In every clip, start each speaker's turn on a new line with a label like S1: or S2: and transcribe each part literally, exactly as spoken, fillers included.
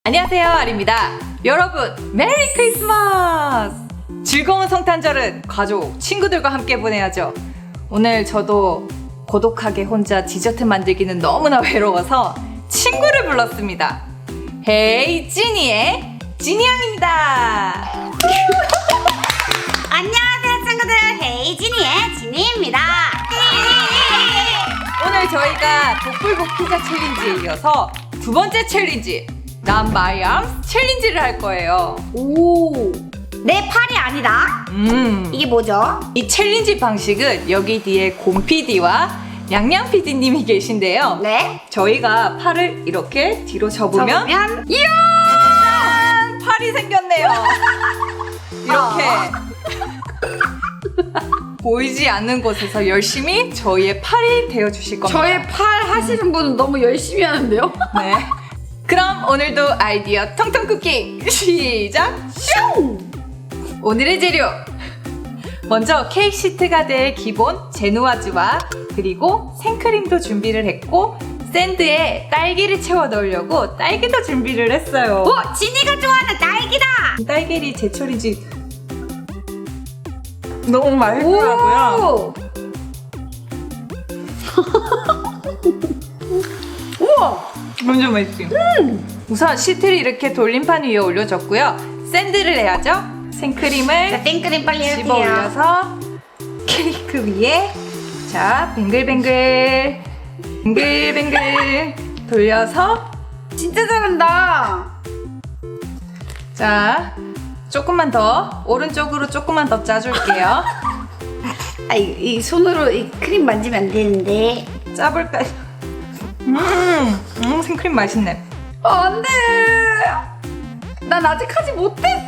S1: 안녕하세요, 아리입니다. 여러분, 메리 크리스마스! 즐거운 성탄절은 가족, 친구들과 함께 보내야죠. 오늘 저도 고독하게 혼자 디저트 만들기는 너무나 외로워서 친구를 불렀습니다. 헤이 찌니의 찌니양입니다.
S2: 안녕하세요 친구들, 헤이 찌니의 찌니입니다.
S1: 오늘 저희가 독불복 피자 챌린지에 이어서 두 번째 챌린지, 난 마이 암스 챌린지를 할 거예요.
S2: 오, 내 팔이 아니다.
S1: 음.
S2: 이게 뭐죠?
S1: 이 챌린지 방식은 여기 뒤에 곰피디와 냥냥피디님이 계신데요.
S2: 네.
S1: 저희가 팔을 이렇게 뒤로 접으면,
S2: 접으면
S1: 이야! 짠! 팔이 생겼네요. 이렇게 보이지 않는 곳에서 열심히 저희의 팔이 되어주실 겁니다.
S2: 저의 팔 하시는 분은 너무 열심히 하는데요?
S1: 네. 그럼 오늘도 아이디어 통통 쿠킹 시작!
S2: 슝!
S1: 오늘의 재료! 먼저 케이크 시트가 될 기본 제누아즈와 그리고 생크림도 준비를 했고 샌드에 딸기를 채워 넣으려고 딸기도 준비를 했어요.
S2: 오! 찌니가 좋아하는 딸기다!
S1: 딸기리 제철이지. 너무 맛있더라고요.
S2: 우와!
S1: 완전 맛있어요. 음. 우선 시트를 이렇게 돌림판 위에 올려줬고요. 샌드를 해야죠. 생크림을
S2: 자, 생크림 빨리
S1: 집어
S2: 해주세요.
S1: 올려서 케이크 위에 자 뱅글뱅글 뱅글뱅글 돌려서
S2: 진짜 잘한다.
S1: 자 조금만 더 오른쪽으로 조금만 더 짜줄게요.
S2: 아, 이, 이 손으로 이 크림 만지면 안 되는데.
S1: 짜볼까요? 음, 음 생크림 맛있네.
S2: 어, 안 돼! 난 아직 하지 못했어!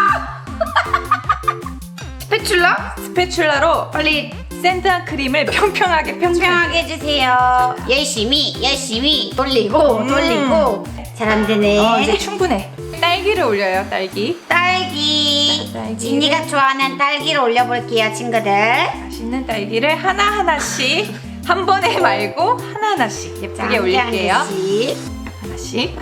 S2: 스패츌라?
S1: 스패츌라로
S2: 빨리
S1: 샌드한 크림을 평평하게 평평하게
S2: 평평하게 해주세요. 열심히 열심히 돌리고
S1: 음.
S2: 돌리고. 잘 안 되네.
S1: 어, 이제 충분해. 딸기를 올려요. 딸기.
S2: 딸기.
S1: 딸기를.
S2: 진이가 좋아하는 딸기를 올려볼게요, 친구들.
S1: 맛있는 딸기를 하나하나씩 한 번에 말고 하나하나씩 예쁘게 올릴게요.
S2: 하나씩.
S1: 하나씩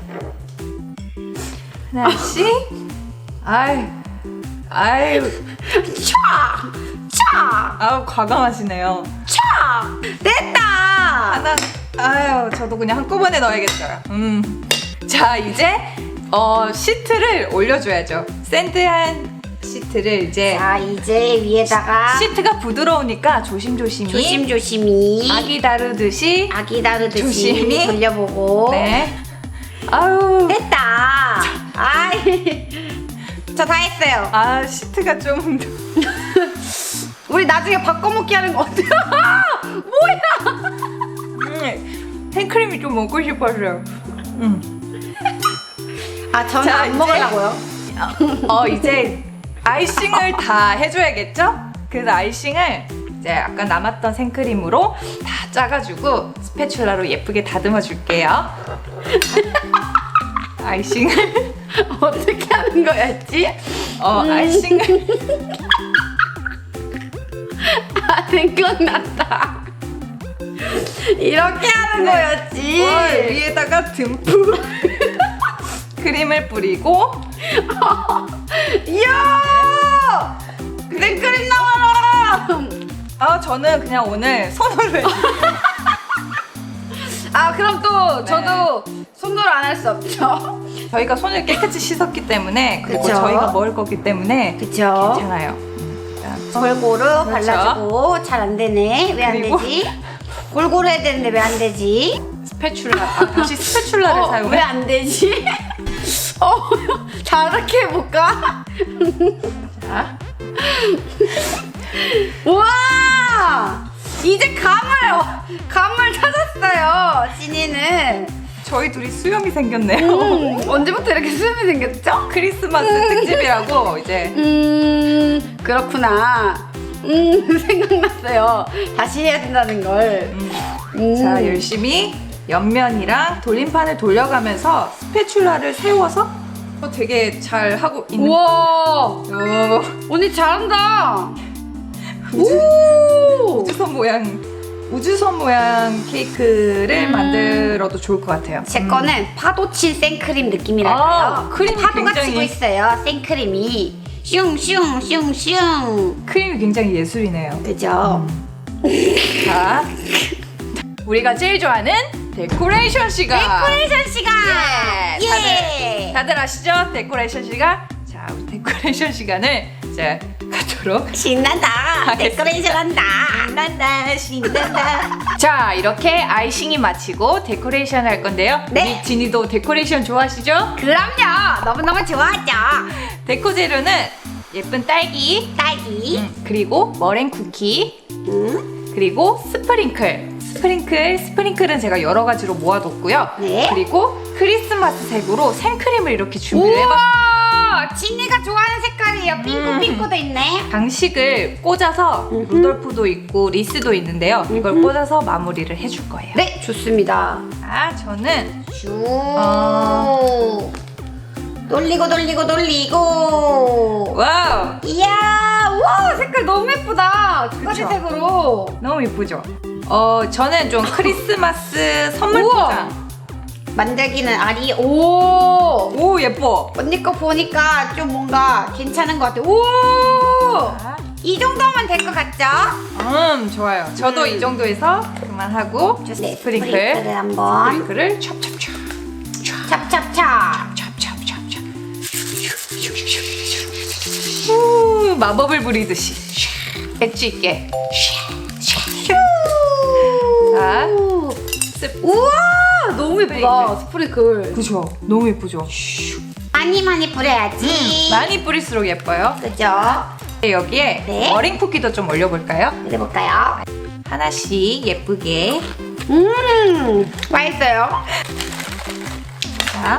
S1: 하나씩. 아유 아유
S2: 촥! 촥!
S1: 아우 과감하시네요.
S2: 촥! 됐다!
S1: 하나 아유 저도 그냥 한꺼번에 넣어야겠어요. 음. 자 이제 어 시트를 올려줘야죠. 샌드한 시트를 이제
S2: 자, 이제 위에다가
S1: 시트가 부드러우니까 조심조심히
S2: 조심조심히
S1: 아기 다루듯이
S2: 아기 다루듯이
S1: 조심히.
S2: 돌려보고.
S1: 네. 아유
S2: 됐다. 아이, 저 다 했어요.
S1: 아 시트가 좀
S2: 우리 나중에 바꿔먹기 하는 거 어때요? 뭐야?
S1: 음, 생크림이 좀 먹고 싶었어요. 음.
S2: 아, 저는
S1: 자,
S2: 안
S1: 이제-
S2: 먹으려고요.
S1: 어 이제 아이싱을 다 해줘야겠죠? 그래서 아이싱을 이제 아까 남았던 생크림으로 다 짜가지고 스패츌라로 예쁘게 다듬어 줄게요. 아이싱을
S2: 어떻게 하는 거였지?
S1: 어 아이싱을
S2: 아, 생각났다. 이렇게 하는 거였지.
S1: 월 위에다가 듬뿍 크림을 뿌리고
S2: 이야! 생크림 나와라!
S1: 아 저는 그냥 오늘 손으로 해줄게요.
S2: 아, 그럼 또
S1: 네.
S2: 저도 손으로 안 할 수 없죠?
S1: 저희가 손을 깨끗이 씻었기 때문에 그리고
S2: 그쵸?
S1: 저희가 먹을 거기 때문에
S2: 그쵸?
S1: 괜찮아요. 음, 자,
S2: 골고루
S1: 그렇죠.
S2: 발라주고. 잘 안 되네. 왜 안
S1: 그리고-
S2: 되지? 골고루 해야 되는데 왜 안 되지?
S1: 스패츌라 아, 다시 스패츌라를
S2: 어,
S1: 사용해.
S2: 왜 안 되지? 어, 다르게 해볼까?
S1: 자,
S2: 우와! 이제 감을, 감을 찾았어요, 진이는.
S1: 저희 둘이 수염이 생겼네요.
S2: 음, 언제부터 이렇게 수염이 생겼죠?
S1: 크리스마스 특집이라고 이제
S2: 음, 그렇구나. 음, 생각났어요. 다시 해야 된다는 걸.
S1: 음,
S2: 음.
S1: 자 열심히 옆면이랑 돌림판을 돌려가면서 스패츌라를 세워서 어, 되게 잘 하고 있는.
S2: 우와!
S1: 오,
S2: 언니 잘한다.
S1: 우주,
S2: 오!
S1: 우주선 모양 우주선 모양 케이크를
S2: 음.
S1: 만들어도 좋을 것 같아요.
S2: 제
S1: 음.
S2: 거는 파도 친 생크림 느낌이랄까요?
S1: 아, 크림이
S2: 파도가
S1: 굉장히-
S2: 치고 있어요. 생크림이 슝슝슝슝.
S1: 크림이 굉장히 예술이네요.
S2: 그죠?
S1: 자, 우리가 제일 좋아하는 데코레이션 시간.
S2: 데코레이션 시간.
S1: 예,
S2: 예.
S1: 다들 아시죠? 데코레이션 시간. 자, 우리 데코레이션 시간을 이제 가도록
S2: 신난다.
S1: 하겠습니다.
S2: 데코레이션 한다.
S1: 신난다 신난다. 자, 이렇게 아이싱이 마치고 데코레이션 할 건데요.
S2: 네.
S1: 우리 지니도 데코레이션 좋아하시죠?
S2: 그럼요. 너무너무 좋아하죠.
S1: 데코 재료는 예쁜 딸기,
S2: 딸기.
S1: 음, 그리고 머랭 쿠키,
S2: 음.
S1: 그리고 스프링클. 스프링클, 스프링클은 제가 여러 가지로 모아뒀고요.
S2: 네.
S1: 그리고 크리스마스 색으로 생크림을 이렇게 준비를 해봤습니다.
S2: 우와! 진이가 좋아하는 색깔이에요. 핑크핑크도 있네.
S1: 장식을 꽂아서
S2: 음흠.
S1: 루돌프도 있고 리스도 있는데요. 이걸
S2: 음흠.
S1: 꽂아서 마무리를 해줄 거예요.
S2: 네, 좋습니다.
S1: 아, 저는
S2: 슈.
S1: 어.
S2: 돌리고 돌리고 돌리고.
S1: 와우!
S2: 이야, 우와, 색깔 너무 예쁘다. 두 가지
S1: 그쵸?
S2: 색으로.
S1: 너무 예쁘죠? 어, 저는 좀 크리스마스 선물
S2: 우와.
S1: 포장.
S2: 만들기는 아리. 오.
S1: 오, 예뻐.
S2: 언니 거 보니까 좀 뭔가 괜찮은 것 같아. 오.
S1: 자,
S2: 이 정도면 될 것 같죠?
S1: 음, 좋아요. 저도
S2: 음.
S1: 이 정도에서 그만하고
S2: 네,
S1: 스프링클.
S2: 스프링클을 한번.
S1: 스프링클을 찹찹찹.
S2: 찹찹찹.
S1: 찹찹찹찹. 후, 마법을 부리듯이. 엣지 있게. 자, 스
S2: 우와, 너무
S1: 예쁘다,
S2: 스프링클.
S1: 그죠? 너무 예쁘죠?
S2: 많이 많이 뿌려야지.
S1: 많이 뿌릴수록 예뻐요.
S2: 그죠?
S1: 네, 여기에
S2: 네.
S1: 머랭 쿠키도 좀 올려볼까요?
S2: 해볼까요?
S1: 하나씩 예쁘게.
S2: 음, 맛있어요.
S1: 자,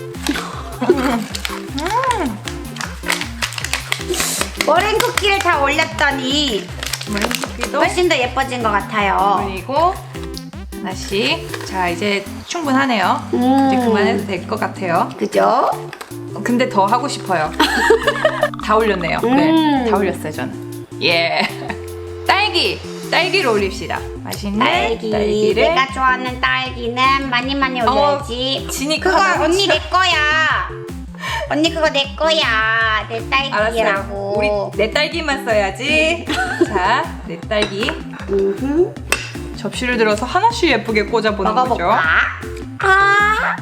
S2: 머랭 쿠키를 다 올렸더니
S1: 머랭 쿠키도
S2: 훨씬 더 예뻐진 것 같아요.
S1: 올리고 하나씩. 자, 이제 충분하네요.
S2: 음.
S1: 이제 그만해도 될 것 같아요.
S2: 그죠?
S1: 근데 더 하고 싶어요. 다 올렸네요.
S2: 음.
S1: 네, 다 올렸어요, 저는. 예. 딸기, 딸기를 올립시다. 맛있는
S2: 딸기.
S1: 딸기를.
S2: 내가 좋아하는 딸기는 많이 많이 올려야지.
S1: 진이
S2: 그거
S1: 하나
S2: 언니 내 거야. 언니 그거 내 거야. 내
S1: 알았어요.
S2: 딸기라고.
S1: 우리 내 딸기만 써야지. 자, 내 딸기.
S2: 음흠.
S1: 접시를 들어서 하나씩 예쁘게 꽂아보는 거죠.
S2: 먹어볼까? 아.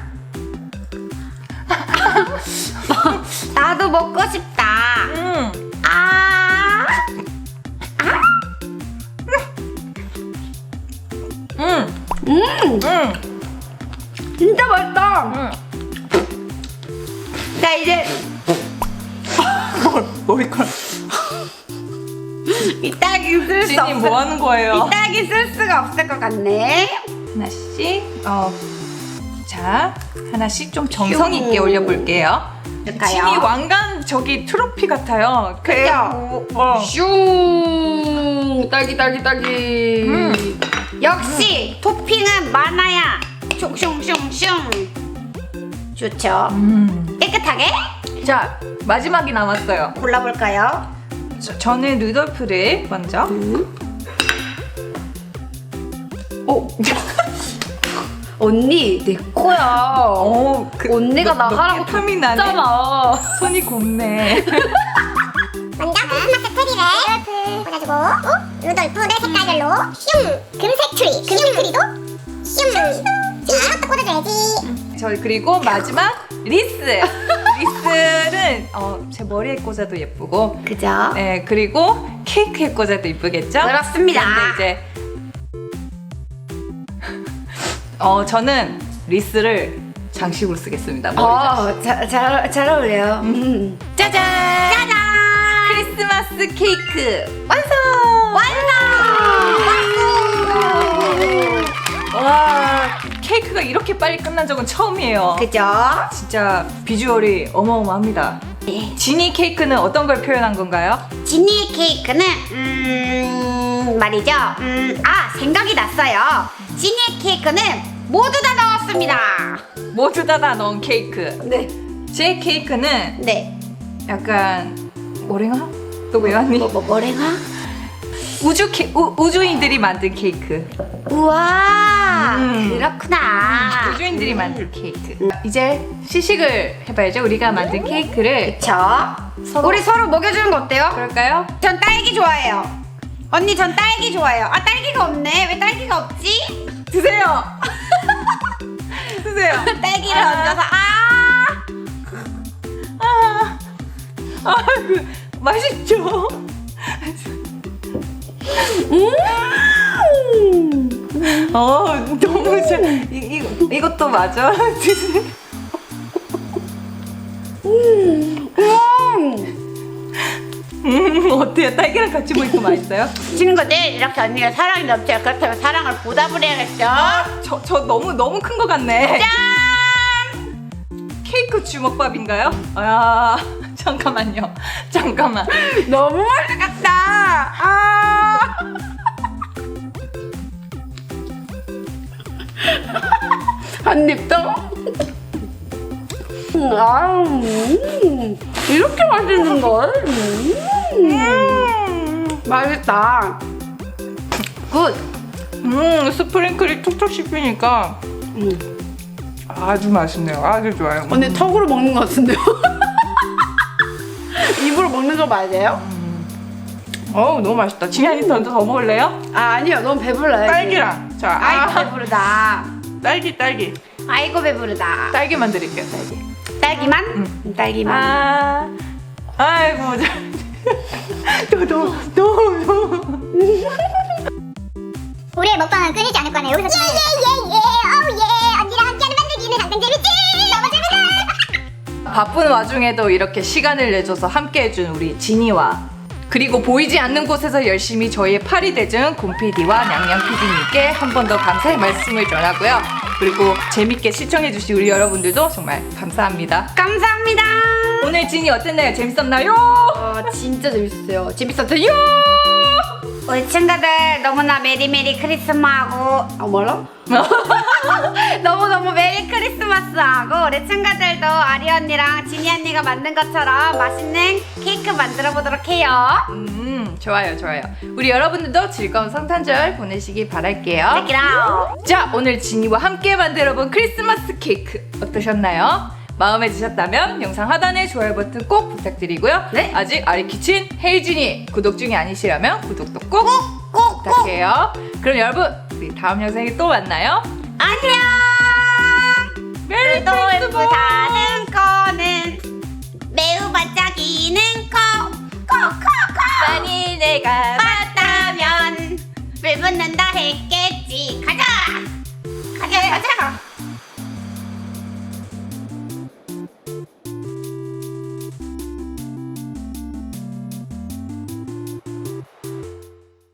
S2: 나도 먹고 싶다.
S1: 음,
S2: 아.
S1: 음,
S2: 음,
S1: 음,
S2: 진짜 맛있다.
S1: 음.
S2: 자 이제
S1: 머리카락.
S2: 이 딸기 쓸 수
S1: 진이
S2: 없어.
S1: 뭐 하는 거예요?
S2: 이 딸기 쓸 수가 없을 것 같네.
S1: 하나씩. 어, 자, 하나씩 좀 정성 있게
S2: 슝.
S1: 올려볼게요.
S2: 그럴까요?
S1: 진이 왕관 저기 트로피 같아요.
S2: 그죠?
S1: 어.
S2: 슝 딸기 딸기 딸기.
S1: 음.
S2: 역시 토핑은 많아야 슝슝슝슝. 좋죠.
S1: 음.
S2: 깨끗하게
S1: 자, 마지막이 남았어요.
S2: 골라볼까요?
S1: 저, 저는 루돌프를 먼저.
S2: 음. 오. 언니 내 거야.
S1: 어, 그,
S2: 언니가
S1: 너-
S2: 나가라고
S1: 너 틈이 나네.
S2: 줬잖아.
S1: 손이 곱네.
S3: 먼저 크리스마스 트리를 꽂아주고 어? 루돌프 내 색깔별로 슝! 금색 트리, 금색 트리도 슝! 자, 이것도 꽂아줘야지.
S1: 저 그리고 마지막 리스. 리스는 어, 제 머리에 꽂아도 예쁘고,
S2: 그죠?
S1: 네, 그리고 케이크에 꽂아도 예쁘겠죠?
S2: 그렇습니다.
S1: 근데 이제 어 저는 리스를 장식으로 쓰겠습니다. 머리 장식.
S2: 어, 잘, 잘, 잘 어울려요. 음.
S1: 짜잔!
S2: 짜잔!
S1: 크리스마스 케이크 완성!
S2: 완성!
S1: 와, 케이크가 이렇게 빨리 끝난 적은 처음이에요.
S2: 그죠?
S1: 진짜 비주얼이 어마어마합니다.
S2: 네.
S1: 지니 케이크는 어떤 걸 표현한 건가요?
S2: 지니 케이크는 음 말이죠. 음, 아 생각이 났어요. 지니 케이크는 모두 다 넣었습니다.
S1: 모두 다 다 넣은 케이크.
S2: 네.
S1: 제 케이크는
S2: 네.
S1: 약간 머랭아? 또 왜 왔니?
S2: 뭐, 뭐, 뭐래가?
S1: 우주 케, 우, 우주인들이 만든 케이크.
S2: 우와,
S1: 음.
S2: 그렇구나.
S1: 우주인들이 만든 케이크. 이제 시식을 해봐야죠. 우리가 만든 케이크를.
S2: 그쵸?
S1: 서로-
S2: 우리 서로 먹여주는 거 어때요?
S1: 그럴까요?
S2: 전 딸기 좋아해요. 언니 전 딸기 좋아해요. 아 딸기가 없네. 왜 딸기가 없지?
S1: 드세요. 드세요.
S2: 딸기를
S1: 아.
S2: 얹어서 아.
S1: 아, 아이고, 맛있죠?
S2: 음.
S1: 어, 너무 잘. 이, 이, 이것도 맞아.
S2: 음.
S1: 음, 어때요? 딸기랑 같이 먹으니까 맛있어요?
S2: 친구들 이렇게 언니가 사랑이 넘쳐요. 그렇다면 사랑을 보답을 해야겠죠?
S1: 저, 저 너무, 너무 큰 것 같네.
S2: 짠!
S1: 케이크 주먹밥인가요? 아, 잠깐만요. 잠깐만.
S2: 너무 맛있겠다. 아. 한 입 더. 음, 아, 음, 이렇게 맛있는 걸? 음,
S1: 음,
S2: 맛있다. 굿.
S1: 음, 스프링클이 툭툭 씹히니까
S2: 음.
S1: 아주 맛있네요. 아주 좋아요.
S2: 언니 턱으로 먹는 것 같은데요? 입으로 먹는 거 맞아요?
S1: 어우, 너무 맛있다. 지한이 더, 더 먹을래요?
S2: 아 아니요, 너무 배불러요.
S1: 딸기랑. 자,
S2: 아이고
S1: 아,
S2: 배부르다.
S1: 딸기, 딸기.
S2: 아이고 배부르다.
S1: 딸기만 드릴게요, 딸기.
S2: 딸기만?
S1: 응.
S2: 딸기만.
S1: 아, 아이고, 너, 너, 너, 너.
S3: 우리의 먹방은 끊이지 않을 거네요. 여기서 예예예예 어우 예 언니랑 함께하는 만들기는 항상 재밌지. 너무 재밌어.
S1: 바쁜 와중에도 이렇게 시간을 내줘서 함께해준 우리 지니와 그리고 보이지 않는 곳에서 열심히 저희의 팔이 돼준 곰피디와 냥냥 피디님께 한 번 더 감사의 말씀을 전하고요. 그리고 재밌게 시청해주신 우리 여러분들도 정말 감사합니다.
S2: 감사합니다.
S1: 오늘 지니 어땠나요? 재밌었나요?
S2: 어, 진짜 재밌었어요. 재밌었어요. 우리 친구들 너무나 메리메리 크리스마스하고 아 뭐라? 너무너무 메리 크리스마스하고 우리 친구들도 아리 언니랑 지니 언니가 만든 것처럼 맛있는 케이크 만들어 보도록 해요.
S1: 음, 좋아요, 좋아요. 우리 여러분들도 즐거운 성탄절 보내시기 바랄게요.
S2: Check it out.
S1: 자, 오늘 지니와 함께 만들어본 크리스마스 케이크 어떠셨나요? 마음에 드셨다면 영상 하단에 좋아요 버튼 꼭 부탁드리고요.
S2: 네.
S1: 아직 아리키친 헤이진이 구독 중이 아니시라면 구독도 꼭, 꼭 부탁해요. 그럼 여러분, 우리 다음 영상에 또 만나요.
S2: 안녕.
S1: 메리
S2: 또
S1: 크리스마스!
S2: 예쁘다는 거.